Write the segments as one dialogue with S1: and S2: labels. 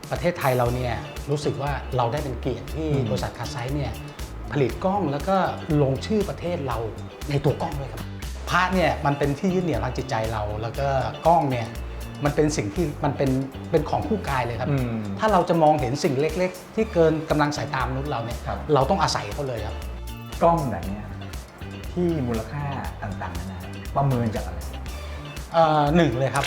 S1: ประเทศไทยเราเนี่ยรู้สึกว่าเราได้เป็นเกียรติที่บริษัทคาไซส์เนี่ยผลิตกล้องแล้วก็ลงชื่อประเทศเราในตัวกล้องด้วยครับพระเนี่ยมันเป็นที่ยึดเหนี่ยวทางจิตใจเราแล้วก็กล้องเนี่ยมันเป็นสิ่งที่มันเป็นของคู่กายเลยครับถ้าเราจะมองเห็นสิ่งเล็กๆที่เกินกำลังสายตามนุษย์เราเนี่ยเราต้องอาศัยเขาเลยครับ
S2: กล้องแบบนี้ที่มูลค่าต่างๆนะประเมินจากอะไร
S1: หนึ่งเลยครับ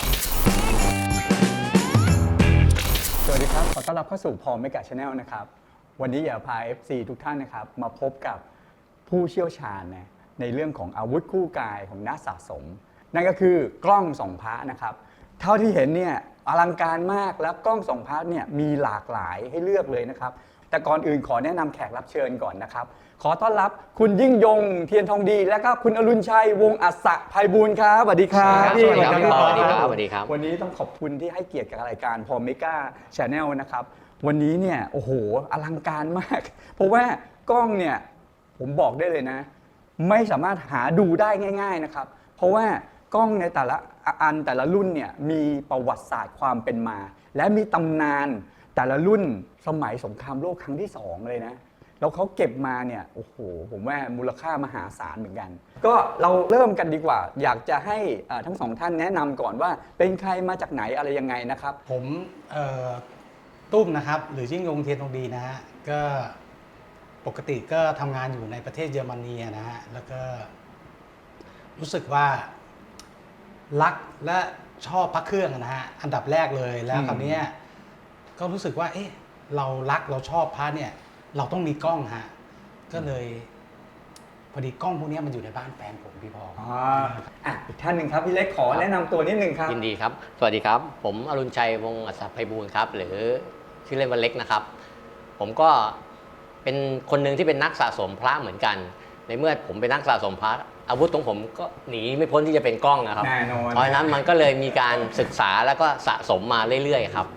S2: สวัสดีครับขอต้อนรับเข้าสู่พอลเมกะชาแนลนะครับวันนี้อยากพา FC ทุกท่านนะครับมาพบกับผู้เชี่ยวชาญในเรื่องของอาวุธคู่กายของนักสะสมนั่นก็คือกล้องส่องพระนะครับเท่าที่เห็นเนี่ยอลังการมากแล้วกล้องส่องพระเนี่ยมีหลากหลายให้เลือกเลยนะครับแต่ก่อนอื่นขอแนะนำแขกรับเชิญก่อนนะครับขอต้อนรับคุณยิ่งยงเทียนทองดีและก็คุณอรุณชัยวงศ์อัศไพบูลย์ครับสวัสดีครับ
S3: สวัสดีครับสวัสดีครับสวัสดีครับ
S2: วันนี้ต้องขอบคุณที่ให้เกียรติกับรายการพอลเมกะชาแนลนะครับวันนี้เนี่ยโอ้โหอลังการมากเพราะว่ากล้องเนี่ยผมบอกได้เลยนะไม่สามารถหาดูได้ง่ายๆนะครับเพราะว่ากล้องในแต่ละอันแต่ละรุ่นเนี่ยมีประวัติศาสตร์ความเป็นมาและมีตำนานแต่ละรุ่นสมัยสงครามโลกครั้งที่2เลยนะแล้วเขาเก็บมาเนี่ยโอ้โหผมว่ามูลค่ามหาศาลเหมือนกันก็เราเริ่มกันดีกว่าอยากจะให้ทั้งสองท่านแนะนำก่อนว่าเป็นใครมาจากไหนอะไรยังไงนะครับ
S1: ผมตุ้มนะครับหรือยิ่งยงเทียนทองดีนะฮะก็ปกติก็ทำงานอยู่ในประเทศเยอรมนีนะฮะแล้วก็รู้สึกว่ารักและชอบพระเครื่องนะฮะอันดับแรกเลยแล้วคราวนี้ก็รู้สึกว่าเอ๊ะเรารักเราชอบพระเนี่ยเราต้องมีกล้องฮะก็เลยพอดีกล้องพวกนี้มันอยู่ในบ้านแฟนผมพี่พอ
S2: อีกท่านหนึ่งครับพี่เล็กขอแนะนำตัวนิดนึงครับ
S3: ยินดีครับสวัสดีครับผมอรุณชัยวงศ์อัศไพบูลย์ครับหรือชื่อเล่นว่าเล็กนะครับผมก็เป็นคนหนึ่งที่เป็นนักสะสมพระเหมือนกันในเมื่อผมเป็นนักสะสมพระอาวุธของผมก็หนีไม่พ้นที่จะเป็นกล้องนะครับเพราะฉะนั้นมันก็เลยมีการศึกษาแล้วก็สะสมมาเรื่อยๆครับ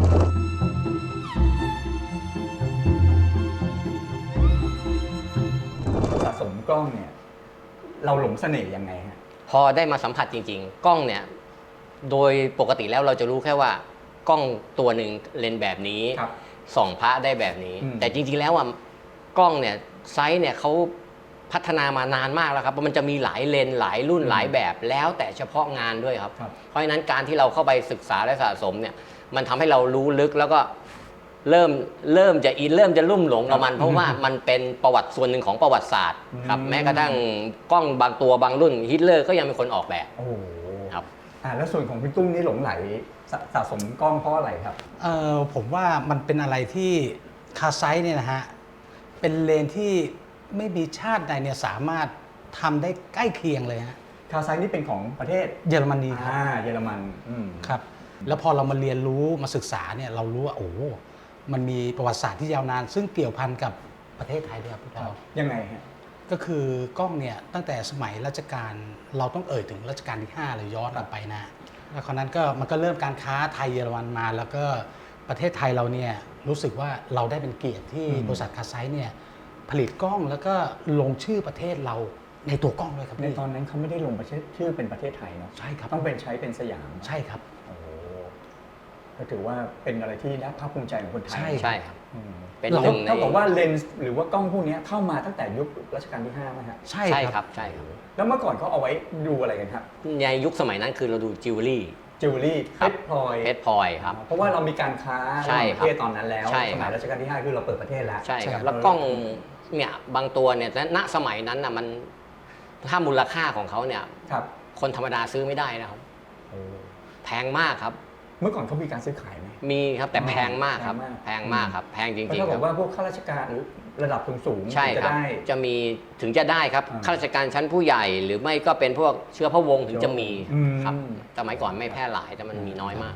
S2: สะสมกล้องเนี่ยเราหลงเสน่ห์ยังไงฮะ
S3: พอได้มาสัมผัสจริงๆกล้องเนี่ยโดยปกติแล้วเราจะรู้แค่ว่ากล้องตัวหนึ่งเลนส์แบบนี้ส่องพระได้แบบนี้แต่จริงๆแล้วกล้องเนี่ยไซส์เนี่ยเขาพัฒนามานานมากแล้วครับมันจะมีหลายเลนส์หลายรุ่นหลายแบบแล้วแต่เฉพาะงานด้วยครับเพราะฉะนั้นการที่เราเข้าไปศึกษาและสะสมเนี่ยมันทำให้เรารู้ลึกแล้วก็เริ่มจะอินเริ่มจะลุ่มหลงกับมันเพราะว่ามันเป็นประวัติส่วนหนึ่งของประวัติศาสตร์ครับแม้กระทั่งกล้องบางตัวบางรุ่นฮิตเลอร์ก็ยังเป็นคนออกแบบ
S2: ครับแล้วส่วนของพี่ตุ้มนี่หลงไหลสะสมกล้องเพราะอะไรครับ
S1: ผมว่ามันเป็นอะไรที่คาไซส์เนี่ยนะฮะเป็นเลนที่ไม่มีชาติใดเนี่ยสามารถทำได้ใกล้เคียงเลยฮะ
S2: คาไซนี่เป็นของประเทศ
S1: เยอรมนีครับ
S2: เยอรมัน
S1: ครับแล้วพอเรามาเรียนรู้มาศึกษาเนี่ยเรารู้ว่าโอ้มันมีประวัติศาสตร์ที่ยาวนานซึ่งเกี่ยวพันกับประเทศไทยด้วยครับพี่พอ
S2: ยังไงฮะ
S1: ก็คือกล้องเนี่ยตั้งแต่สมัยรัชกาลเราต้องเอ่ยถึงรัชกาลที่5เลยย้อนกลับไปนะแล้วคราวนั้นก็มันก็เริ่มการค้าไทยเยอรมันมาแล้วก็ประเทศไทยเราเนี่ยรู้สึกว่าเราได้เป็นเกียรติที่บริษัทคาไซส์เนี่ยผลิตกล้องแล้วก็ลงชื่อประเทศเราในตัวกล้องด้วยครับ
S2: ในตอนนั้นเขาไม่ได้ลงชื่อเป็นประเทศไทยเนาะ
S1: ใช่ครับ
S2: ต้องใช้เป็นสยาม
S1: ใช่ครับ
S2: ก็ถือว่าเป็นอะไรที่น่าภาคภูมิใจของคนไทย
S3: ใช่ครับ
S2: เป็นหนึ่งในเท่ากับว่าเลนส์หรือว่ากล้องพวกนี้เข้ามาตั้งแต่ยุครัชกาลที่5ไหมฮะ
S3: ใช่ครับใช่ครับ
S2: แล้วเมื่อก่อนเขาเอาไว้ดูอะไรกันครับ
S3: ในยุคสมัยนั้นคือเราดูจิวเวลรี่
S2: เพชรพล
S3: อยครับ
S2: เพราะว่าเรามีการค้าประเทศตอนนั้นแล้วสมัยรัชกาลที่5คือเราเปิดประเทศแล้ว
S3: ใช่ครับแล้วกล้องเนี่ยบางตัวเนี่ยณสมัยนั้นนะมันถ้ามูลค่าของเขาเนี่ยคนธรรมดาซื้อไม่ได้นะครับแพงมากครับ
S2: เมื่อก่อนเขามีการซื้อขายไหม
S3: มีครับแต่แพงมากครับแพงมากครับแพงจริงๆ
S2: เขาบอกว่าพวกข้าราชการหรือระดับสูง
S3: ใช่ครับจะมีถึงจะได้ครับข้าราชการชั้นผู้ใหญ่หรือไม่ก็เป็นพวกเชื้อพระวงศ์ถึงจะมีครับสมัยก่อนไม่แพร่หลายแต่มันมีน้อยมาก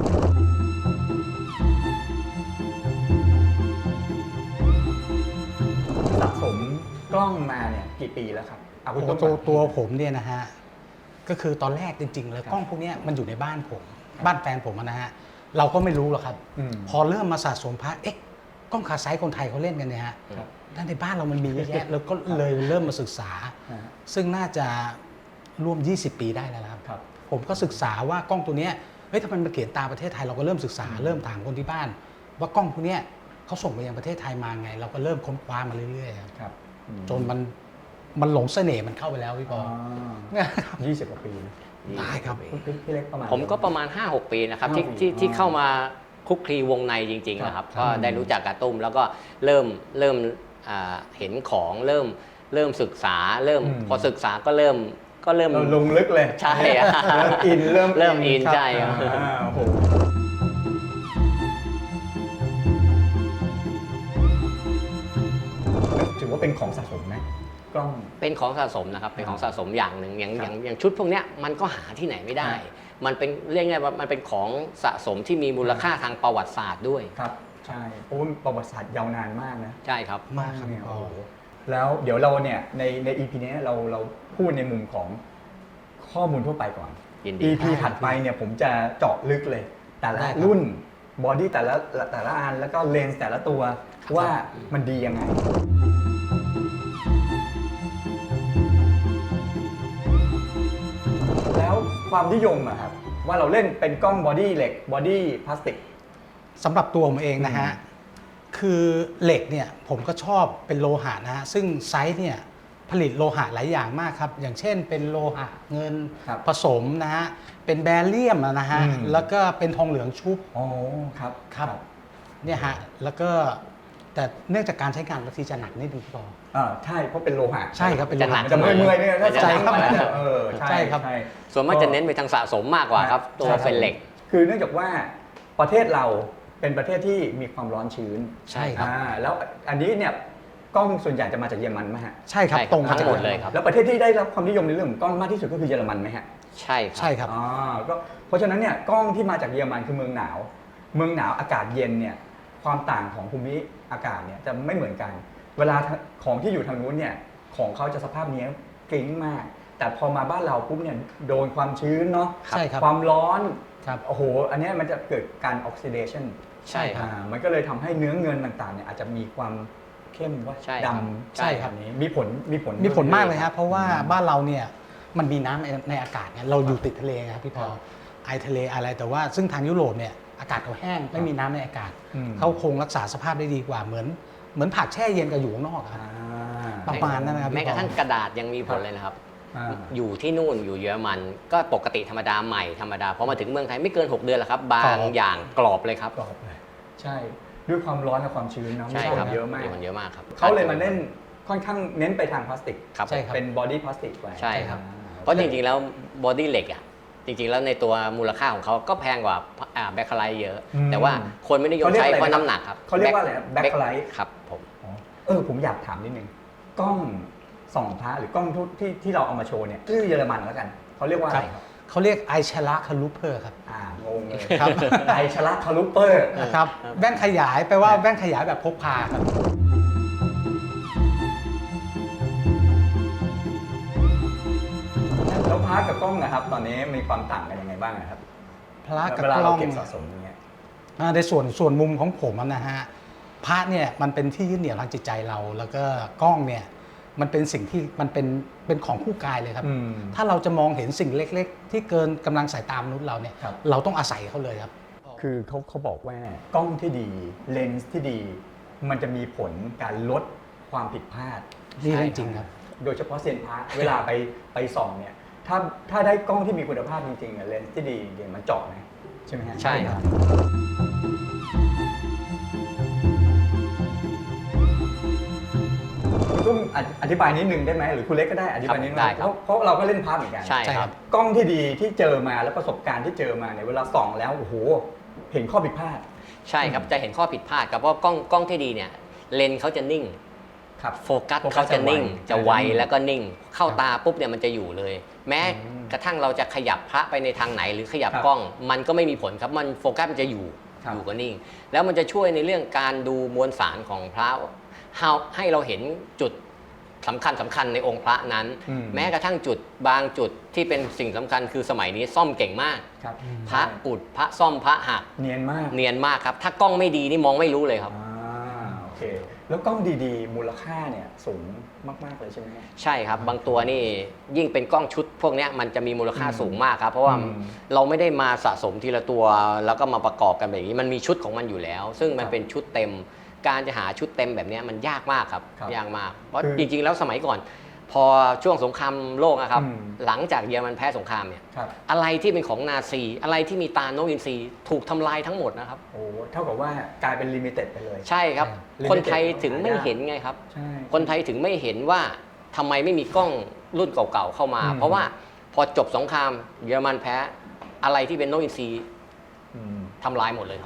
S2: สะสมกล้องมาเนี่ยกี่ปีแล้วครับ
S1: ตัวผมเนี่ยนะฮะก็คือตอนแรกจริงๆเลยกล้องพวกนี้มันอยู่ในบ้านผมบ้านแฟนผมนะฮะเราก็ไม่รู้หรอกครับพอเริ่มมาสะสมพระกล้องคาไซส์คนไทยเขาเล่นกันเนี่ยฮะด้านในบ้านเรามันมีเยอะแยะแล้วก็เลยเริ่มมาศึกษาซึ่งน่าจะร่วม20 ปีได้แล้วครับผมก็ศึกษาว่ากล้องตัวนี้ถ้ามันมาเขียนตามประเทศไทยเราก็เริ่มศึกษาเริ่มถามคนที่บ้านว่ากล้องพวกเนี้ยเขาส่งไปยังประเทศไทยมาไง เราก็เริ่มค้นคว้ามาเรื่อยๆครับ
S2: ครับ
S1: จนมันหลงเสน่ห์มันเข้าไปแล้วพี่ปอเนี่ย
S2: 20 กว่าปีนะ
S1: ได้ครับ
S2: พี่เล็กประมาณ
S3: ผมก็ประมาณ 5-6 ปีนะครับที่
S2: 5-6
S3: ที่
S2: ปี
S3: ที่เข้ามาคลุกคลีวงในจริงๆนะครับ
S2: ครับ
S3: ก็ได้รู้จักกับตุ้มแล้วก็เริ่มเห็นของเริ่มศึกษาพอศึกษาก็เริ่ม
S2: เราลงลึกเลย
S3: ใช่อะ
S2: เริ่มอิน
S3: เริ่มอินใช่ครับ
S2: โอ้โหถือว่าเป็นของสะสมไหมกล้อง
S3: เป็นของสะสมนะครับเป็นของสะสมอย่างหนึ่งอย่าง
S2: ครับ
S3: อย่างชุดพวกเนี้ยมันก็หาที่ไหนไม่ได้
S2: ครับ
S3: มันเป็นเรียกไงว่ามันเป็นของสะสมที่มีมูลค่าทางประวัติศาสตร์ด้วย
S2: ครับใช่เพราะว่าประวัติศาสตร์ยาวนานมากนะ
S3: ใช่ครับ
S1: มากครับพี่ปอ
S2: โอ้โหแล้วเดี๋ยวเราเนี่ยใน EP นี้เราพูดในมุมของข้อมูลทั่วไปก่อน
S3: ยินดี
S2: EP ถัดไปเนี่ยผมจะเจาะลึกเลย แต่ละ
S1: ได้ครับ
S2: รุ่นบอดี้แต่ละอันแล้วก็เลนส์แต่ละตัวว่ามันดียังไง แล้วความนิยมอะครับว่าเราเล่นเป็นกล้องบอดี้เหล็กบอดี้พลาสติก
S1: สำหรับตัวผมเองนะฮะ คือเหล็กเนี่ยผมก็ชอบเป็นโลหะนะฮะ ซึ่งไซส์เนี่ยผลิตโลหะหลายอย่างมากครับ อย่างเช่นเป็นโลหะเงิน
S2: ครับ
S1: ผสมนะฮะ เป็นแบเรียมนะฮะ
S2: อืม
S1: แล้วก็เป็นทองเหลืองชุบ
S2: อ๋อครับ
S1: ครับ เนี่ยฮะ แล้วก็แต่เนื่องจากการใช้งานบางทีจะหนักนิดนึงพี่ปอ
S2: ใช่เพราะเป็นโลหะ
S1: ใช่ครับเป็นโล
S3: จะหนั
S1: หะ
S3: ก
S2: จะเมื่อยๆเนี่ยถ้า
S3: ใช่ครับ
S2: มันจะใช่
S1: ใช่ครับ
S2: ใช่
S3: ส่วนมากจะเน้นไปทางสะสมมากกว่าครับ ตัวเฟนเหล็ก
S2: คือเนื่องจากว่าประเทศเราเป็นประเทศที่มีความร้อนชื้น
S1: ใช่ครับ
S2: แล้วอันนี้เนี่ยกล้องส่วนใหญ่จะมาจากเยอรมันไหมฮะ
S1: ใช่ครับ
S3: ใช่ครับ
S1: ตรงมา
S3: ทั้
S1: จาก
S3: งหมดเลยครับ
S2: แล้วประเทศที่ได้รับความนิยมในเรื่องของกล้องมากที่สุดก็คือเยอรมันไหมฮะ
S3: ใช่ครับ
S1: ใช่ครับ
S2: ก็เพราะฉะนั้นเนี่ยกล้องที่มาจากเยอรมันคือเมืองหนาว เมืองหนาวอากาศเย็นเนี่ยความต่างของภูมิอากาศเนี่ยจะไม่เหมือนกัน เวลาของที่อยู่ทางนู้นเนี่ยของเขาจะสภาพเนี้ยกริ้งมาก แต่พอมาบ้านเราปุ๊บเนี่ยโดนความชื้นเนาะ
S1: ใช่ครับ
S2: ความร้อน
S1: ครับ
S2: โอ้โหอันเนี้ยมันจะเกิดการออกซิเดชัน
S3: ใช่ครับ
S2: มันก็เลยทำให้เนื้อเงินต่างๆเนี่ยอาจจะมีความเข้มว่า
S3: ใช่
S2: ด
S3: ครับ
S2: ำ
S1: ใช่ครับ
S2: อันนี้มีผล
S1: มีผลมากเลยครับเพราะว่าบ้านเราเนี่ยมันมีน้ำในอากาศเนี่ยเราอยู่ติดทะเลไงครับพี่พอไอทะเลอะไรแต่ว่าซึ่งทางยุโรปเนี่ยอากาศเขาแห้งไม่มีน้ำในอากาศ เขาคงรักษาสภาพได้ดีกว่าเหมือนผักแช่เย็นกับอยู่ข้างนอกอะครับ ประมาณนั้นนะครับ
S3: แม้กระทั่ง
S1: พี่ปอ
S3: กระดาษยังมีผลเลยนะครับ
S2: อ่า
S3: อยู่ที่นู่นอยู่เยอรมัน ก็ปกติธรรมดาใหม่ธรรมดาพอมาถึงเมืองไทยไม่เกิน 6 เดือนแล้วครับ บางอย่างกรอบเลยครับ
S2: กรอบเลยใช่ด้วยความร้อนและความชื้นเนาะ
S3: ใช่
S2: มีผ
S3: ค
S2: ล
S3: รับ
S2: เยอะมาก
S3: ผลเยอะมากครับ
S2: เขาเลยมาเน้นค่อนข้างเน้นไปทางพลาสติก
S3: ครับ
S1: ใช่ครับ
S2: เป็นบอดี้พลาสติกไป
S3: ใช่ครับ เพราะจริงๆแล้วบอดี้เหล็กอ่ะจริงๆแล้วในตัวมูลค่าของเขาก็แพงกว่าแบ็คไลท์เยอะ แต่ว่าคนไม่นิยมใช้เพราะน้ำหนักครับ
S2: เขาเรียกว่าอะไรแบ็คไลท์
S3: ครับผม
S2: ผมอยากถามนิดนึงกล้องส่องพระหรือกล้องที่เราเอามาโชว์เนี่ยชื่อเยอรมันแล้วกันเขาเรียกว่าอะไรครับ
S1: เขาเรียกไอชลาคาลูเพอร์ครับ
S2: งงเลย
S1: ครับ
S2: ไอชลักคาลูเปอร์
S1: นะครับแว่นขยายแปลว่าแว่นขยายแบบพกพาครับ
S2: แล้วพาร์ทกับกล้องนะครับ ตอนนี้มีความต่างกันยังไงบ้างนะครับ
S1: พระกับ
S2: เวลาก
S1: ล้
S2: เรา
S1: อง
S2: เก็บสะสมอย่างเงี้ย
S1: ในส่วนมุมของผมนะฮะพระเนี่ยมันเป็นที่ยึดเหนี่ยวทางจิตใจเรา แล้วก็กล้องเนี่ยมันเป็นสิ่งที่มันเป็นของคู่กายเลยครับ ถ้าเราจะมองเห็นสิ่งเล็ก ๆ ที่เกินกำลังสายตามนุษย์เราเนี่ย
S2: ครับ
S1: เราต้องอาศัยเขาเลยครับ
S2: คือเขาบอกว่ากล้องที่ดีเลนส์ที่ดี มันจะมีผลการลดความผิดพลาด
S1: นี่เรื่องจริงครับ
S2: โดยเฉพาะเซียนพระเวลาไปส่องเนี่ยถ้าได้กล้องที่มีคุณภาพจริงๆอะเลนส์ที่ดีจริงๆมันเจาะนะใช่ไหมฮะ
S3: ใช่ครับ
S2: คุณตุ้มอธิบายนิดนึงได้ไหมหรือคุณเล็กก็ได้อธิบายนิดนึง
S3: ได้ครับ
S2: เพราะเราก็เล่นพระเหมือนกัน
S3: ใช่
S1: ใช่
S3: ค
S1: ครั
S3: รับ
S1: บ
S2: กล้องที่ดีที่เจอมาแล้วประสบการณ์ที่เจอมาเนี่ยเวลาส่องแล้วโอ้โหเห็นข้อผิดพลาด
S3: ใช่ครับจะเห็นข้อผิดพลาดครับเพราะกล้องที่ดีเนี่ยเลนส์เขาจะนิ่ง
S2: ครับ
S3: โฟกัสเขาจะนิ่ง จะไวแล้วก็นิ่ง เข้า
S1: ครับ
S3: ตาปุ๊บเนี่ยมันจะอยู่เลย แม้กระทั่งเราจะขยับพระไปในทางไหนหรือขยับ
S2: ครับ
S3: กล้อง มันก็ไม่มีผลครับมันโฟกัสมันจะอยู่
S2: ครับ
S3: อยู่ก็นิ่ง แล้วมันจะช่วยในเรื่องการดูมวลสารของพระให้เราเห็นจุดสำคัญในองค์พระนั้น แม้กระทั่งจุดบางจุดที่เป็นสิ่งสำคัญคือสมัยนี้ซ่อมเก่งมาก
S2: ครับ
S3: พระอุดพระซ่อมพระหัก
S2: เนียนมาก
S3: เนียนมากครับถ้ากล้องไม่ดีนี่มองไม่รู้เลยครับ
S2: โอเคแล้วกล้องดีๆ มูลค่าเนี่ยสูงมากๆเลยใช่ไหมครับ
S3: ใช่ครับ บางตัวนี่ยิ่งเป็นกล้องชุดพวกเนี้ยมันจะมีมูลค่าสูงมากครับ เพราะว่าเราไม่ได้มาสะสมทีละตัวแล้วก็มาประกอบกันแบบนี้มันมีชุดของมันอยู่แล้ว ซึ่งมันเป็นชุดเต็ม การจะหาชุดเต็มแบบเนี้ยมันยากมากครับยากมากเพราะจริงๆแล้วสมัยก่อน พอช่วงสงครามโลกนะครับหลังจากเยอรมันแพ้สงครามเนี่ยอะไรที่เป็นของนาซีอะไรที่มีตานกอินทรีถูกทำลายทั้งหมดนะครับ
S2: โอ้เท่ากับว่ากลายเป็นลิมิเต็ดไปเลย
S3: ใช่ครับ
S2: Limited
S3: คนไทยถึงไม่เห็นไงครับ
S2: ใช่
S3: คนไทยถึงไม่เห็นว่าทำไมไม่มีกล้องรุ่นเก่าๆเข้ามา เพราะว่าพอจบสงครามเยอรมันแพ้อะไรที่เป็นนกอินทรีทำลายหมดเลยครับ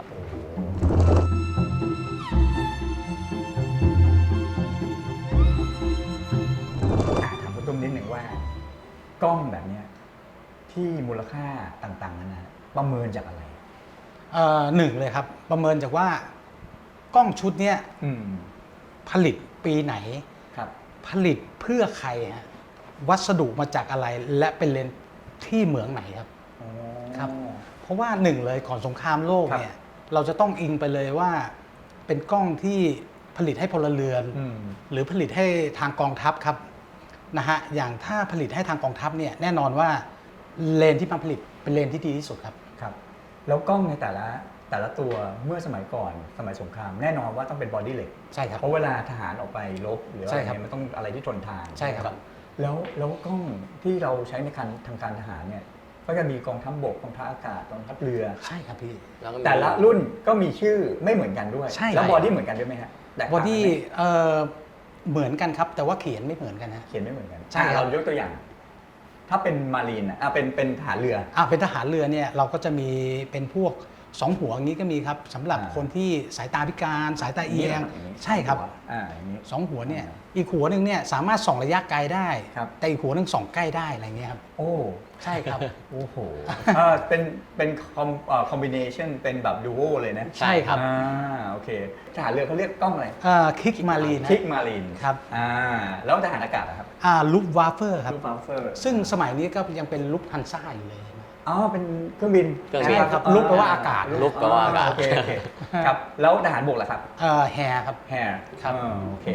S2: ถามคุณตุ้มนิดหนึ่งว่ากล้องแบบเนี้ยที่มูลค่าต่างๆนะประเมินจากอะไร
S1: หนึ่งเลยครับ ประเมินจากว่ากล้องชุดเนี้ยผลิตปีไหน
S2: ครับ
S1: ผลิตเพื่อใครฮะวัสดุมาจากอะไรและเป็นเลนส์ที่เหมืองไหนครับ ครับ เพราะว่าหนึ่งเลยก่อนสงครามโลกเนี่ยเราจะต้องอิงไปเลยว่าเป็นกล้องที่ผลิตให้พลเรือนหรือผลิตให้ทางกองทัพครับนะฮะอย่างถ้าผลิตให้ทางกองทัพเนี่ยแน่นอนว่าเลนส์ที่มาผลิตเป็นเลนส์ที่ดีที่สุดครับ
S2: ครับ แล้วกล้องในแต่ละตัวเมื่อสมัยก่อนสมัยสงครามแน่นอนว่าต้องเป็นบอดี้เหล็ก
S1: ใช่ครับ
S2: เพราะเวลาทหารออกไปรบหรืออะไร
S1: ใช่ครับ
S2: เนี่ยมันต้องอะไรที่ทนทาน
S1: ใช่ครับ
S2: แล้วกล้องที่เราใช้ในทางการทหารเนี่ยก็จะมีกองทัพบกกองทัพอากาศกองทัพเรือ
S1: ใช่ครับพี่
S3: แล้วก็มี
S2: แต่ละรุ่นก็มีชื่อไม่เหมือนกันด้วย
S1: ใช่
S2: แล้วบอดี้เหมือนกันด้วยไหมฮะแตก
S1: บอ
S2: ต่างกัน
S1: ดี้
S2: ไหม
S1: เหมือนกันครับแต่ว่าเขียนไม่เหมือนกันฮะ
S2: เขียนไม่เหมือนกัน
S1: ใช่ครับ
S2: เรายกตัวอย่าง ถ้าเป็นมารีนเป็นทหารเรือ
S1: เป็นทหารเรือเนี่ยเราก็จะมีเป็นพวกสองหัวอย่างนี้ก็มีครับสำหรับคนที่สายตาพิการสายตาเอียง
S2: อย่างนี้
S1: ใช่ครับ
S2: อย่างนี้
S1: สองหัวเนี่ยอีกหัวหนึ่งเนี่ยสามารถส่องระยะไกลได้
S2: ครับ
S1: แต่อีกหัวหนึ่งส่องใกล้ได้อะไรเงี้ยครับ
S2: โอ้
S1: ใช่ครับ
S2: โอ้โหเป็นคอมบิเนชันเป็นแบบดูโอเลยนะ
S1: ใช่ครับ
S2: โอเคทหารเรือเขาเรียกกล้องอะไร
S1: คิกมารีน
S2: คิกมารีน
S1: ครับ
S2: แล้วทหารอากาศนะครับ
S1: ลุปวาเฟอร์ครับ
S2: ลูฟาเฟอร์
S1: ซึ่งสมัยนี้ก็ยังเป็นลุปฮันซ่าอยู่เลย
S2: อ๋อเป็นเครื่องบิน
S3: เครื่องบิน
S1: ครับลุกแปลว่าอากาศ
S3: ลุกแปลว่าอากาศ
S2: โอเคครับแล้วทหารบกล่ะครับ
S1: แฮร์ครับ
S2: แฮร์
S1: ครับ
S2: โอเค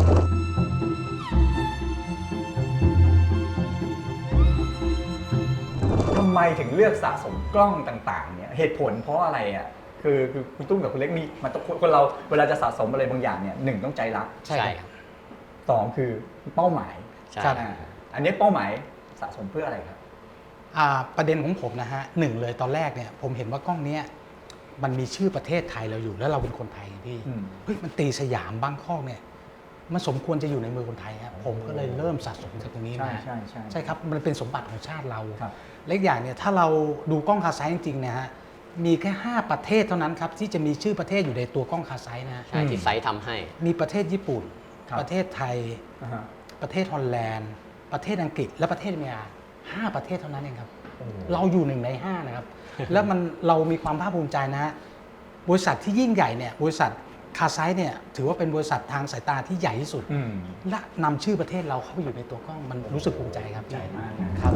S2: ทำไมถึงเลือกสะสมกล้องต่างๆเนี่ยเหตุผลเพราะอะไรอ่ะคือคุณตุ้มกับคุณเล็กมีมันต้องคนเราเวลาจะสะสมอะไรบางอย่างเนี่ยหนึ่งต้องใจรัก
S1: ใช่
S3: ใช่
S1: ครับ
S3: ครับ
S2: สองคือเป้าหมาย
S3: ใช่
S1: ครับ
S2: อันนี้เป้าหมายสะสมเพื่ออะไรครับ
S1: ประเด็นของผมนะฮะหนึ่งเลยตอนแรกเนี่ยผมเห็นว่ากล้องเนี้ยมันมีชื่อประเทศไทยเราอยู่แล้วเราเป็นคนไทยพี่
S2: อืม
S1: เฮ้ยมันตีสยามบางข้อกเนี่ยมันสมควรจะอยู่ในมือคนไทยครับผมก็เลยเริ่มสะสมจากตรงนี้
S2: ใช่
S1: นะ
S2: ใช่ใช่
S1: ใช่ครับมันเป็นสมบัติของชาติเรา
S2: ครับ
S1: และอีกอย่างเนี่ยถ้าเราดูกล้องคาไซต์จริงๆเนี่ยฮะมีแค่ 5 ประเทศเท่านั้นครับที่จะมีชื่อประเทศอยู่ในตัวกล้องคาไซต์นะ
S3: ใช่ที่ไซต์ทำให้
S1: มีประเทศญี่ปุ่น
S2: ครับ
S1: ประเทศไทย
S2: อ่าฮะ
S1: ประเทศฮอลแลนด์ ประเทศอังกฤษ และประเทศอเมริกา5 ประเทศเท่านั้นเองครับ
S2: โอ้โห
S1: เราอยู่1 ใน 5 นะครับ แล้วเรามีความภาคภูมิใจนะฮะบริษัทที่ยิ่งใหญ่เนี่ยบริษัทคาไซต์เนี่ยถือว่าเป็นบริษัททางสายตาที่ใหญ่ที่สุด
S2: อืม
S1: และนำชื่อประเทศเราเข้าไปอยู่ในตัวกล้องมันรู้สึกภูมิใจครับ
S2: ใหญ่มากนะ
S1: ครับ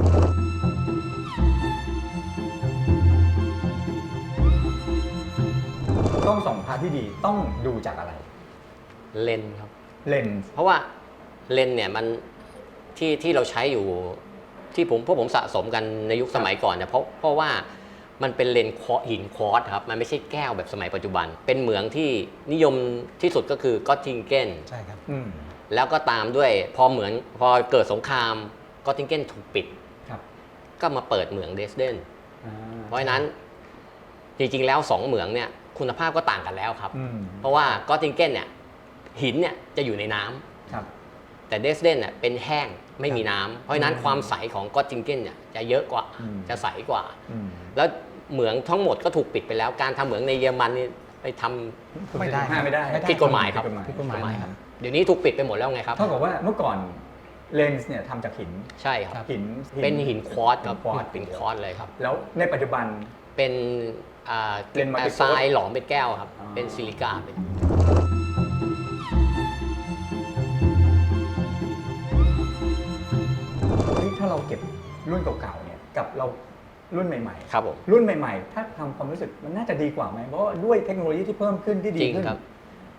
S2: กล้องส่องพระที่ดีต้องดูจากอะไร
S3: เลนส์ครับ
S2: เลนส์
S3: เพราะว่าเลนส์เนี่ยมันที่เราใช้อยู่ที่พวกผมสะสมกันในยุคสมัยก่อนเนี่ยเพราะว่ามันเป็นเลนส์หินควอตซ์ครับมันไม่ใช่แก้วแบบสมัยปัจจุบัน เป็นเหมืองที่นิยมที่สุดก็คือกอตติงเกน
S1: ใช่ครับ
S2: อืม
S3: แล้วก็ตามด้วยพอเกิดสงครามกอตติงเกนถูกปิด
S2: ครับ
S3: ก็มาเปิดเหมืองเดสเดน
S2: อ่า
S3: เพราะฉะนั้นจริงๆแล้ว2เหมืองเนี่ยคุณภาพก็ต่างกันแล้วครับ
S2: อืม
S3: เพราะว่ากอตติงเกนเนี่ยหินเนี่ยจะอยู่ในน้ำ
S2: ครับ
S3: แต่เดสเดนเนี่ยเป็นแห้งไม่มีน้ำเพราะฉะนั้นความใสของกอตติงเกนเนี่ยจะเยอะกว่า
S2: อืม
S3: จะใสกว่า
S2: อืม
S3: แล้วเหมืองทั้งหมดก็ถูกปิดไปแล้วการทำเหมืองในเยอรมันนี่ไปทำ
S1: ไม่ได้
S2: ไม่ได้
S3: ผิดกฎหมายครับ
S2: ผิดกฎหมาย
S1: ผิดกฎหมายครับ
S3: เดี๋ยวนี้ถูกปิดไปหมดแล้วไงครับ
S2: เท่ากับว่าเมื่อก่อนเลนส์เนี่ยทำจากหิน
S3: ใช่ครับ
S2: หิน
S3: เป็นหินควอตซ์ครับ
S2: หินควอตซ์
S3: เป็นควอตซ์เลยครับ
S2: แล้วในปัจจุบัน
S3: เป็น
S2: เป็น multi-coat
S3: ทรายหลอมเป็นแก้วครับ
S2: อ๋อ
S3: เป็นซิลิก้าเป็น
S2: ถ้าเราเก็บรุ่นเก่าๆเนี่ยกับเรารุ่นใหม่
S3: ครับผม
S2: ๆ รุ่นใหม่ๆ ถ้าทำความรู้สึกมันน่าจะดีกว่าไหมเพราะว่าด้วยเทคโนโลยีที่เพิ่มขึ้นที่ดี
S3: จริง
S2: ขึ้น
S3: ครับ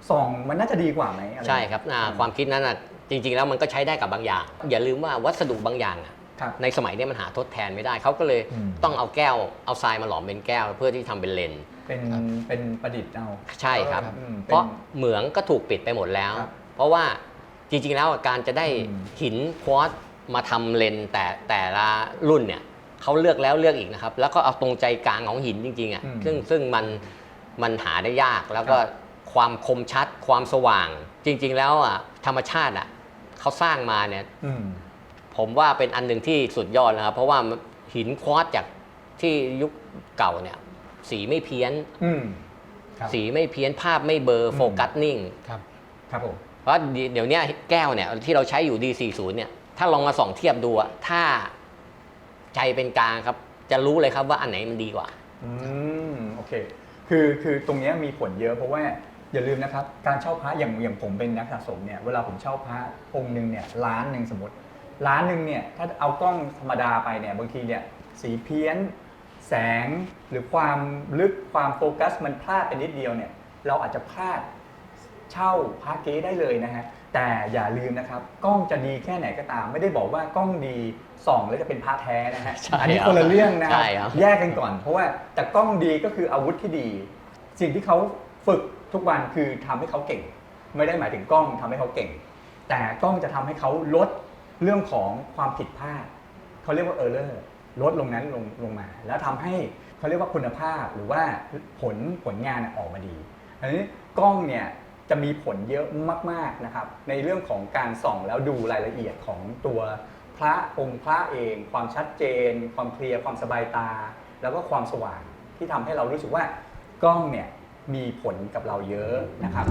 S2: ส่องมันน่าจะดีกว่าไหมอะไร
S3: ใช่ครับความคิดนั้นจริงๆแล้วมันก็ใช้ได้กับบางอย่าง อย่าลืมว่าวัสดุบางอย่าง
S2: ครับ
S3: ในสมัยนี้มันหาทดแทนไม่ได้เขาก็เลยต้องเอาแก้วเอาทรายมาหลอมเป็นแก้วเพื่อที่ทำเป็นเลนส์
S2: เป็นประดิษฐ์เอา
S3: ใช่ครับ
S2: เป็น
S3: เพราะเหมืองก็ถูกปิดไปหมดแล้ว
S2: ครับ
S3: เพราะว่าจริงๆแล้วการจะได้หินควอตซ์มาทำเลนส์แต่ละรุ่นเนี่ยเขาเลือกแล้วเลือกอีกนะครับ แล้วก็เอาตรงใจกลางของหินจริงๆอ่ะซึ่งมันหาได้ยากแล้วก็ความคมชัดความสว่าง จริงๆแล้วธรรมชาติเขาสร้างมาเนี่ยผมว่าเป็นอันหนึ่งที่สุดยอดนะครับเพราะว่าหินควอตซ์จากที่ยุคเก่าเนี่ยสีไม่เพี้ยน
S2: ครับ
S3: สีไม่เพี้ยนภาพไม่เบลอโฟกัสนิ่ง
S2: ครับผม
S3: เพราะเดี๋ยวนี้แก้วเนี่ยที่เราใช้อยู่ D40 เนี่ยถ้าลองมาส่องเทียบดูถ้าใจเป็นกลางครับจะรู้เลยครับว่าอันไหนมันดีกว่า
S2: โอเคคือตรงเนี้ยมีผลเยอะเพราะว่าอย่าลืมนะครับการเช่าพระอย่างผมเป็นนักสะสมเนี่ยเวลาผมเช่าพระองค์หนึ่งเนี่ยล้านหนึ่งสมมติล้านหนึ่งเนี่ยถ้าเอากล้องธรรมดาไปเนี่ยบางทีเนี่ยสีเพี้ยนแสงหรือความลึกความโฟกัสมันพลาดไปนิดเดียวเนี่ยเราอาจจะพลาดเช่าพระเก๊ได้เลยนะฮะแต่อย่าลืมนะครับกล้องจะดีแค่ไหนก็ตามไม่ได้บอกว่ากล้องดีส่องแล้วจะเป็นพระแท้นะฮะ
S3: ใช่
S2: อันนี้คนละเรื่องนะค
S3: ใช่
S2: รับ
S3: ครับ
S2: แยกกันก่อนเพราะว่าแต่กล้องดีก็คืออาวุธที่ดี สิ่งที่เขาฝึกทุกวันคือทำให้เขาเก่ง ไม่ได้หมายถึงกล้องทำให้เขาเก่ง แต่กล้องจะทำให้เขาลดเรื่องของความผิดพลาดเขาเรียกว่าerror ลดลงนั้นลงมา แล้วทำให้เขาเรียกว่าคุณภาพหรือว่าผลงานออกมาดีอันนี้กล้องเนี่ยจะมีผลเยอะมากๆนะครับในเรื่องของการส่องแล้วดูรายละเอียดของตัวพระองค์พระเองความชัดเจน ความเคลียร์ความสบายตา แล้วก็ความสว่างที่ทำให้เรารู้สึกว่ากล้องเนี่ยมีผลกับเราเยอะนะครับ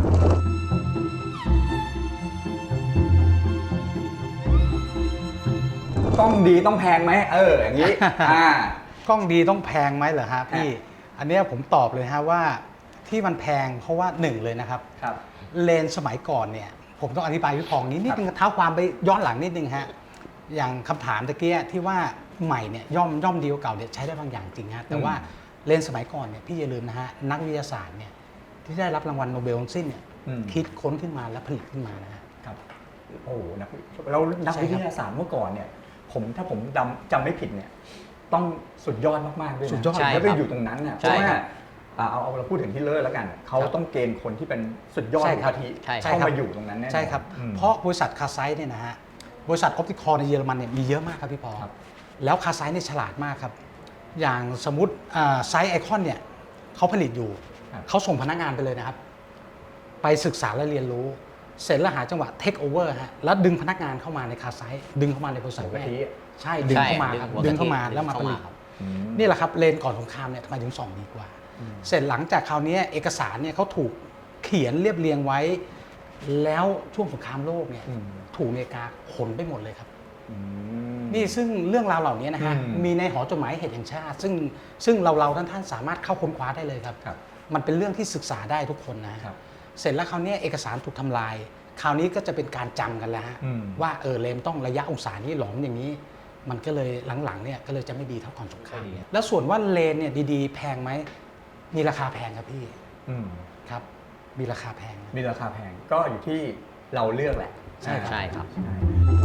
S2: กล้องดีต้องแพงไหมอย่างนี้
S1: กล้องดีต้องแพงไหมเหรอฮะพี่ อันเนี้ยผมตอบเลยฮะว่าที่มันแพงเพราะว่าหนึ่งเลยนะครับ
S2: ครับ
S1: เลนส์สมัยก่อนเนี่ยผมต้องอธิบายวิเคราะห์นิดนึงเท้าความไปย้อนหลังนิดนึงฮะอย่างคำถามตะเกียที่ว่าใหม่เนี่ยย่อมดีกว่าเก่าเนี่ยใช้ได้บางอย่างจริงฮะแต่ว่าเลนส์สมัยก่อนเนี่ยพี่อย่าลืมนะฮะนักวิทยาศาสตร์เนี่ยที่ได้รับรางวัลโนเบลทั้งสิ้นเนี่ยคิดค้นขึ้นมาและผลิตขึ้นมานะฮะ
S2: ครับโอ้โหแล้วนักวิทยาศาสตร์เมื่อก่อนเนี่ยถ้าผมจำไม่ผิดเนี่ยต้องสุดยอดมากๆด้วยนะ
S1: สุดยอด
S2: แล้วไปอยู่ตรงนั้นเนี่ยเพ
S3: ใช่
S2: ราะว่า
S3: ครับ
S2: เอาเราพูดถึงฮิตเลอร์แล้วกันเขาต้องเกณฑ์คนที่เป็นสุดยอด
S1: ใช่ครับ
S2: กะทิ
S3: ใช่
S2: เข้ามาอยู่ตรงนั้นแน่นอน
S1: ใช่ครับ เพราะบริษัทคาไซต์เนี่ยนะฮะบริษัทออปติคอลในเยอรมันเนี่ยมีเยอะมากครับพี่พอ
S2: ครับ
S1: แล้วคาไซต์เนี่ยฉลาดมากครับอย่างสมมติไซต์ไอคอนเนี่ยเขาผลิตอยู่เขาส่งพนักงานไปเลยนะครับไปศึกษาและเรียนรู้เสร็จแล้วหาจังหวะเทคโอเวอร์ฮะแล้วดึงพนักงานเข้ามาในคาไซต์ดึงเข้ามาในบริษัท
S2: หัว
S1: แม่
S2: กะทิ
S1: ใช่ดึงเข้ามาครับ
S3: หัวกะทิ
S1: ดึงเข้ามาแล้วมาผลิต
S3: ครับ
S1: นี่แหละครับเลนก่อนสงครามเนี่ยทำไมถึงส่องดีกว่า เสร็จหลังจากคราวนี้เอกสารเนี่ยเขาถูกเขียนเรียบเรียงไว้ แล้วช่วงสงครามโลกเนี่ยถูกอเมริกาขนไปหมดเลยครับนี่ซึ่งเรื่องราวเหล่านี้นะฮะมีในหอจดหมายเหตุแห่งชาติ ซึ่งเราท่านสามารถเข้าค้นคว้าได้เลยครับ มันเป็นเรื่องที่ศึกษาได้ทุกคนนะครับ เสร็จแล้วคราวนี้เอกสารถูกทำลาย คราวนี้ก็จะเป็นการจำกันแล้วฮะว่าเลนต้องระยะองศานี้หลอมอย่างนี้ มันก็เลยหลังๆเนี่ยก็เลยจะไม่ดีเท่าก่อนสงครามแล้วส่วนว่าเลนเนี่ยดีๆ แพงไหมมีราคาแพงครับพี่ครับมีราคาแพง
S2: มีราคาแพงก็อยู่ที่เราเลือกแหละ
S1: ใช่ครับ
S3: ใช่ครับ
S2: ใช่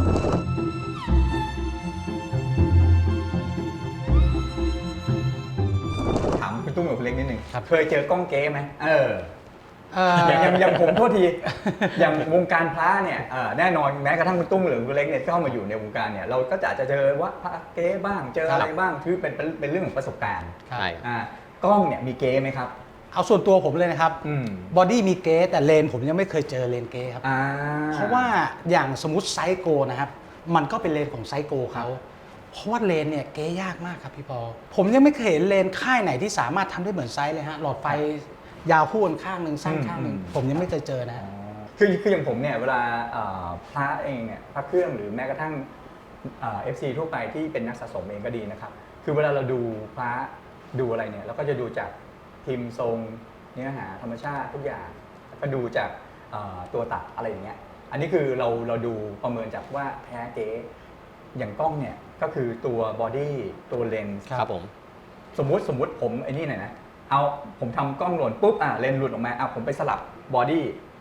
S2: ถามคุณตุ้มกับคุณเล็กนิดหนึ่งเคยเจอกล้องเก๊ไหมอย่างผมโทษที อย่างวงการพระเนี่ยแน่นอนแม้กระทั่งคุณตุ้มหรือคุณเล็กเนี่ยเข้ามาอยู่ในวงการเนี่ยเราก็จะเจอว่าพระเก๊บ้างเจออะไรบ้างคือเป็นเรื่องของประสบการณ์
S3: ใช่
S2: กล้องเนี่ยมีเก๊ไหมครับ
S1: เอาส่วนตัวผมเลยนะครับบอดี้มีเกสแต่เลนผมยังไม่เคยเจอเลนเกสครับเพราะว่าอย่างสมมติไซโกนะครับมันก็เป็นเลนของไซโกเขาเพราะว่าเลนเนี่ยเก๊ยากมากครับพี่ปอผมยังไม่เคยเห็นเลนค่ายไหนที่สามารถทำได้เหมือนไซส์เลยฮะหลอดไฟยาวคู่กันข้างหนึ่งสั้นข้างหนึ่งผมยังไม่เคยเจอนะ
S2: คืออย่างผมเนี่ยเวลาพระเองเนี่ยพระเครื่องหรือแม้กระทั่งFC ทั่วไปที่เป็นนักสะสมเองก็ดีนะครับคือเวลาเราดูพระดูอะไรเนี่ยเราก็จะดูจากพิมพ์ทรงเนื้อหาธรรมชาติทุกอย่างแล้วก็ดูจากตัวตัดอะไรอย่างเงี้ยอันนี้คือเราดูประเมินจากว่าแท้เก๊อย่างกล้องเนี่ยก็คือตัวบอดี้ตัวเลนส์
S3: ครับผม
S2: สมมุติผมไอ้นี่หน่อยนะผมทำกล้องหล่นปุ๊บเลนส์หลุดออกมาผมไปสลับบอดี้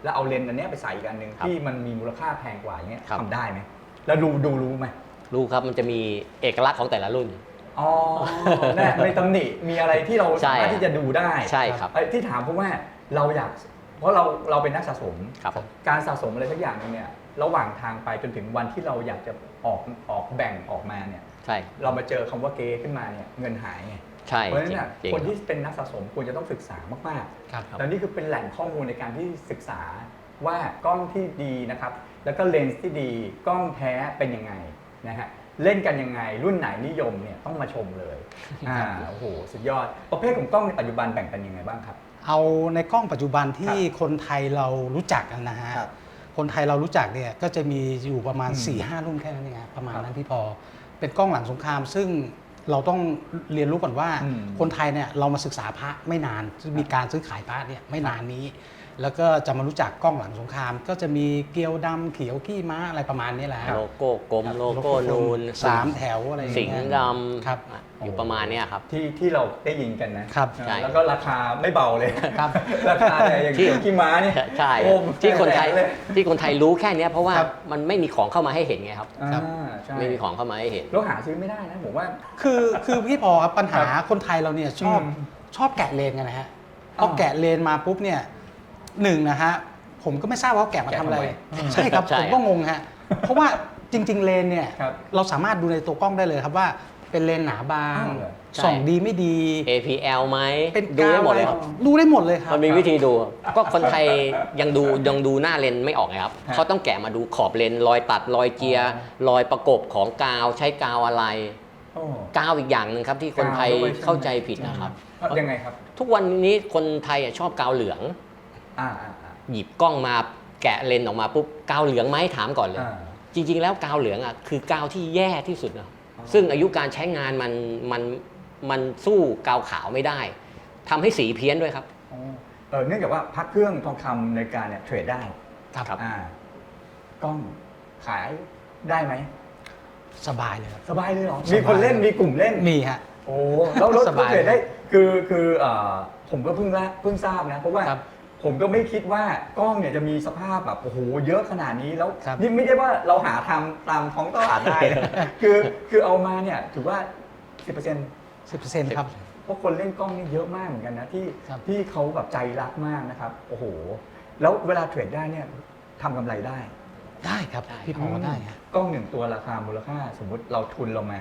S2: แล้วเอาเลนส์อันเนี้ยไปใส่อีกอันหนึ่ง
S3: ครับ
S2: ที่มันมีมูลค่าแพงกว่าอย่างเงี้ย
S3: ครับ
S2: ทำได้ไหมแล้วรู้ไหม
S3: รู้ครับมันจะมีเอกลักษณ์ของแต่ละรุ่น
S2: อ๋อเนี่ยในตำหนิมีอะไรที่เรา
S3: ใช่
S2: สามารถที่จะดูได้
S3: ใช่ครับ
S2: ไอ้ที่ถามเพราะว่าเราอยากเพราะเราเป็นนักสะสม
S3: ครับผม
S2: การสะสมอะไรสักอย่างนึงเนี่ยระหว่างทางไปจนถึงวันที่เราอยากจะออกแบ่งออกมาเนี่ย
S3: ใช่
S2: เรามาเจอคำว่าเกขึ้นมาเนี่ยเงินหายไง
S3: ใช่
S2: เพราะฉะนั้นน่ะ
S3: จริง
S2: คน
S3: ๆ
S2: ที่เป็นนักสะสมควรจะต้องศึกษามาก
S1: ครับ
S2: ๆแล้วนี่คือเป็นแหล่งข้อมูลในการที่ศึกษาว่ากล้องที่ดีนะครับแล้วก็เลนส์ที่ดีกล้องแท้เป็นยังไงนะฮะเล่นกันยังไงรุ่นไหนนิยมเนี่ยต้องมาชมเลยโอ้โหสุดยอดประเภทของกล้องในปัจจุบันแบ่งเป็นยังไงบ้างครับ
S1: เอาในกล้องปัจจุบันที่คนไทยเรารู้จักกันนะฮะ
S2: ครับ
S1: คนไทยเรารู้จักเนี่ยก็จะมีอยู่ประมาณ
S2: อืม
S1: 4-5 รุ่นแค่นั้นเองครับประมาณ
S2: ครับ
S1: นั้นพี่พอ เป็นกล้องหลังสงคราม ซึ่งเราต้องเรียนรู้ก่อนว่า
S2: อืม
S1: คนไทยเนี่ยเรามาศึกษาพระไม่นานมีการซื้อขายพระเนี่ยไม่นานนี้ แล้วก็จะมารู้จักกล้องหลังสงคราม ก็จะมีเกลียวดำเขียวขี้ม้าอะไรประมาณนี้แหละฮะ
S3: โลโก้กลมโลโก้นูน
S1: 3 แถวอะไรอย่าง
S3: สิง
S1: เงี้ย
S3: ห์ด
S1: ครับ
S3: ำอยู่ประมาณเนี้ยครับ
S2: ที่เราได้ยินกันนะครับ
S3: ใช่
S2: แล้วก็ราคาไม่เบาเลย
S1: ครับ
S2: ราคาเนี่ยอย่าง
S3: ที่
S2: ขี้ม้านี่
S3: ใช่
S2: โอ้
S3: ที่คนไทย
S2: เลย
S3: ที่คนไทยรู้แค่เนี้ยเพราะว่า
S1: ครับ
S3: มันไม่มีของเข้ามาให้เห็นไงครับ
S1: ครับ
S2: ใช่
S3: ไม่มีของเข้ามาให้เห็น
S2: แล้วหาซื้อไม่ได้นะผมว่า
S1: คือพี่พอครับปัญหาคนไทยเราเนี่ยชอบ
S2: อืม
S1: ชอบแกะเลนกันนะฮะพ
S2: อ๋
S1: อ
S2: อ
S1: แกะเลนมาปุ๊บเนี่ยหนึ่งนะฮะผมก็ไม่ทราบว่าเขาแกะมาทำอะไร
S2: แกะทำไม
S1: ใช่ครับ
S3: ใช่
S1: ผมก็งงฮะเพราะว่าจริง ๆ เลนเนี่ย
S2: ครับ
S1: เราสามารถดูในตัวกล้องได้เลยครับว่าเป็นเลนหนาบาง
S2: อ้าวเหรอ
S1: ส่องดีไม่ดี
S3: APL ไหม
S1: เป็น
S3: ดูได้หมด
S1: อะไร
S3: เลยครับ
S1: ดูได้หมดเลยครับ
S3: มันมีวิธีดู ก็คนไทยยังดูหน้าเลนส์ไม่ออกไงครับ
S2: ฮะ
S3: เขาต้องแกะมาดูขอบเลนส์รอยตัดรอยเจียร์รอยประกบของกาวใช้กาวอะไร
S2: โอ้
S3: กาวอีกอย่างหนึ่งครับที่คนไทย
S2: กาวด้วยใช่ไหม
S3: เข้าใจผิดนะครับ
S2: ยังไงครับ
S3: ทุกวันนี้คนไทยชอบกาวเหลือง
S2: อ่า
S3: หยิบกล้องมาแกะเลนส์ออกมาปุ๊บกาวเหลืองไหมถามก่อนเลย
S2: อ่า
S3: จริง ๆ แล้วกาวเหลืองอ่ะคือกาวที่แย่ที่สุดนะซึ่งอายุการใช้งานมันสู้กาวขาวไม่ได้ทำให้สีเพี้ยนด้วยครับ
S2: อ๋อเนื่องจากว่าพักเครื่องทองคำในการเนี่ยเทรดได้
S1: ครับ
S2: กล้องขายได้ไหม
S1: สบายเลยครับ
S2: สบายเลยเหรอ
S1: สบาย
S2: มีคนเล่นมีกลุ่มเล่น
S1: มีฮะ
S2: โอ้แล้วรถ
S1: สบาย
S2: เทรดได้คือผมก็เพิ่งทราบนะเพราะว่า
S1: ครับ
S2: ผมก็ไม่คิดว่ากล้องเนี่ยจะมีสภาพแบบโอ้โหเยอะขนาดนี้แล้ว
S1: ครับ
S2: นี่ไม่ได้ว่าเราหาทำตามท้องตลาดได้นะ คือเอามาเนี่ยถือว่า 10%
S1: 10%ครับ
S2: เพราะคนเล่นกล้องนี่เยอะมากเหมือนกันนะที่
S1: ครับ
S2: ที่เขาแบบใจรักมากนะครับโอ้โหแล้วเวลาเทรดได้เนี่ยทำกำไรได้
S1: ได้ครับ
S3: ได้
S1: พี่พอได้ฮะ
S2: กล้องหนึ่งตัวราคามูลค่าสมมุติเราทุนเรามา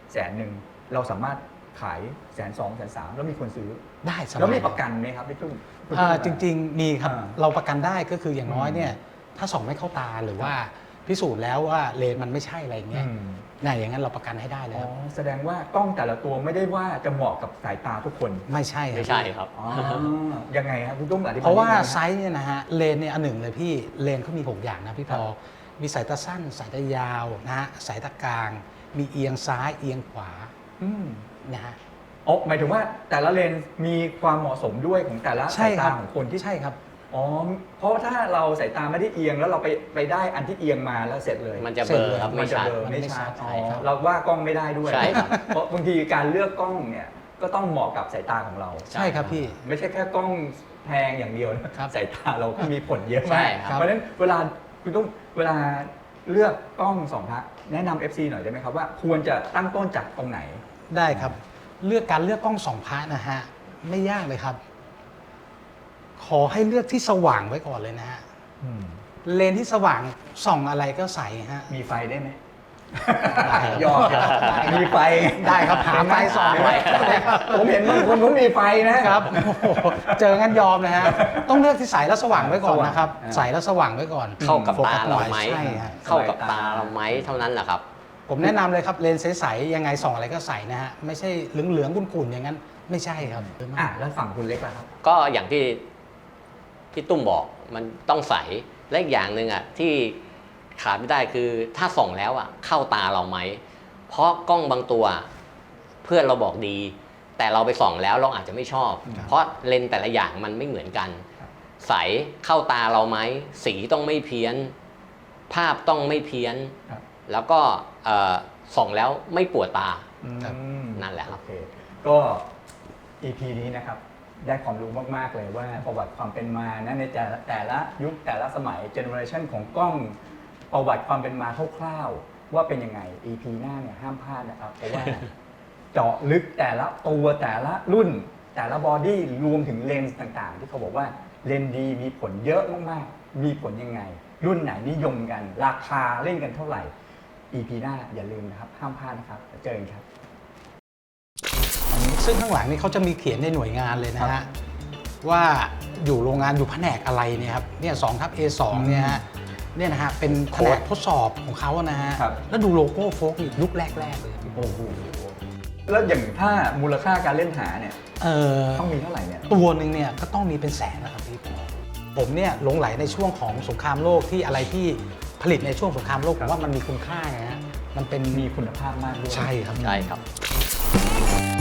S2: 100,000เราสามารถขาย120,000 130,000แล้วมีคนซื้อ
S1: ได้สบาย
S2: แล้วมีประกันไหมครับพี่ตุ้ม
S1: จริงๆมีครับ
S2: อ่า
S1: เราประกันได้ก็คืออย่างน้อยเนี่ยถ้าส่องไม่เข้าตาหรือว่าพิสูจน์แล้วว่าเลนมันไม่ใช่อะไรอย่างเงี้ยเนี่ยอย่างนั้นเราประกันให้ได้เลย
S2: อ๋อ
S1: ครับ
S2: แสดงว่ากล้องแต่ละตัวไม่ได้ว่าจะเหมาะกับสายตาทุกคน
S1: ไม่ใช่
S3: ไม่ใช่ครับ
S2: อ๋อยังไงครับพี่ตุ้มอธิบาย
S1: เพราะว่า
S2: นิดนึงน
S1: ไซส์เนี่ยนะฮะเลนเนี่ยอันหนึ่งเลยพี่เลนเขามี6อย่างนะพี่พอ
S2: ครับ
S1: มีสายตาสั้น สายตายาวนะฮะสายตากลาง มีเอียงซ้ายเอียงขวา
S2: อืม
S1: นะฮะ
S2: อ๋อหมายถึงว่าแต่ละเลนส์มีความเหมาะสมด้วยของแต่ละ
S1: ใช่
S2: สาย
S1: ครั
S2: ตา
S1: บ
S2: ของคนที่
S1: ใช่ครับ
S2: อ๋อเพราะถ้าเราสายตาไม่ได้เอียงแล้วเราไปได้อันที่เอียงมาแล้วเสร็จเลย
S3: มันจะเบลอครับ
S2: มั
S3: ไม่
S2: นจะ
S3: ชัด
S2: เบลอ
S1: มัน
S2: ไม่
S1: ไม่ชั
S2: ชัด
S1: ด
S2: อ๋อ
S1: ใช่ครับ
S2: เราว่ากล้องไม่ได้ด้วย
S3: ใช่ครับ
S2: เพราะบางทีการเลือกกล้องเนี่ยก็ต้องเหมาะกับสายตาของเรา
S1: ใช่ครับพี่
S2: ไม่ใช่แค่กล้องแพงอย่างเดียวนะครับ สายตาเราก็มีผลเยอะ
S3: ใช่
S2: มาก
S3: ครับ
S2: เพราะฉะนั้นเวลาคุณต้องเวลาเลือกกล้องสองพระแนะนำ FC หน่อยได้ไหมครับว่าควรจะตั้งต้นจากตรงไหน
S1: ได้ครับ เลือกการเลือกกล้อง2 พระนะฮะไม่ยากเลยครับ ขอให้เลือกที่สว่างไว้ก่อนเลยนะฮะเลนที่สว่างส่องอะไรก็ใสฮะ
S2: มีไฟได้ไหม
S1: ได้
S2: ยอมมีไฟ
S1: ได้ครับหาไฟส่องไว้
S2: ผมเห็นบางคนเขามีไฟนะครับ
S1: โอ้โหเจองั้นยอมนะฮะต้องเลือกที่ใสแล้วสว่างไว้ก่อนนะครับ
S2: สว่าง
S1: ใสแล้วสว่างไว้ก่อน
S3: เข้ากับ
S1: โฟ
S3: ตา
S1: ส
S3: เรา
S1: น่อย
S3: ไหม
S1: ใช่ฮะ
S3: เข้ากับตาเราไหมเท่านั้นแหละครับ
S1: ผมแนะนำเลยครับเลนส์ใสๆยังไงส่องอะไรก็ใสนะฮะไม่ใช่เหลืองๆขุ่นๆอย่างนั้นไม่ใช่ครับ
S2: แล้วฝั่งคุณเล็กล่ะครับ
S3: ก็อย่างที่ตุ้มบอกมันต้องใสและอีกอย่างหนึ่งอ่ะที่ขาดไม่ได้คือถ้าส่องแล้วอ่ะเข้าตาเราไหมเพราะกล้องบางตัวเพื่อนเราบอกดี แต่เราไปส่องแล้วเราอาจจะไม่ชอบ
S1: ครับ
S3: เพราะเลนส์แต่ละอย่างมันไม่เหมือนกัน
S2: ครับ
S3: ใสเข้าตาเราไหมสีต้องไม่เพี้ยน ภาพต้องไม่เพี้ยน
S2: ครับ
S3: แล้วก็ส่องแล้วไม่ปวดตา
S1: ครับ
S2: อืม
S3: นั่นแหละครับ
S2: โอเคก็ EP นี้นะครับได้ความรู้มากๆเลยว่าประวัติความเป็นมานะในแต่ละยุคแต่ละสมัยเจเนอเรชันของกล้องประวัติความเป็นมาคร่าวๆว่าเป็นยังไง EP หน้าเนี่ยห้ามพลาดนะครับเพราะว่า เจาะลึกแต่ละตัวแต่ละรุ่นแต่ละบอดี้รวมถึงเลนส์ต่างๆ ที่เขาบอกว่าเลนส์ดีมีผลเยอะมากๆมีผลยังไง รุ่นไหนนิยมกันราคาเล่นกันเท่าไหร่ EP หน้าอย่าลืมนะครับห้ามพลาดนะครับเจอกันครับ
S1: ซึ่งข้างหลังนี่เขาจะมีเขียนในหน่วยงานเลยนะฮะว่าอยู่โรงงานอยู่แผนกอะไรเนี่ยครับเนี่ย2/A2 เนี่ยฮะเนี่ยนะฮะเป็นแผนกทดสอบของเขานะฮะ
S2: ครับ
S1: แล้วดูโลโก้โฟกนี่ยุคแรกๆเลย
S2: โอ้โหแล้วอย่างถ้ามูลค่าการเล่นหาเนี่ย
S1: เออ
S2: ต้องมีเท่าไหร่เนี่ย
S1: ตัวหนึ่งเนี่ยก็ต้องมีเป็นแสนนะครับพี่ผมเนี่ยหลงไหลในช่วงของสงครามโลกที่อะไรที่ผลิตในช่วงสงครามโลกผมว่ามันมีคุณค่าไงฮะมันเป็น
S2: มีคุณภาพมากด้วย
S1: ใช่ครับ
S3: ใช่ครับ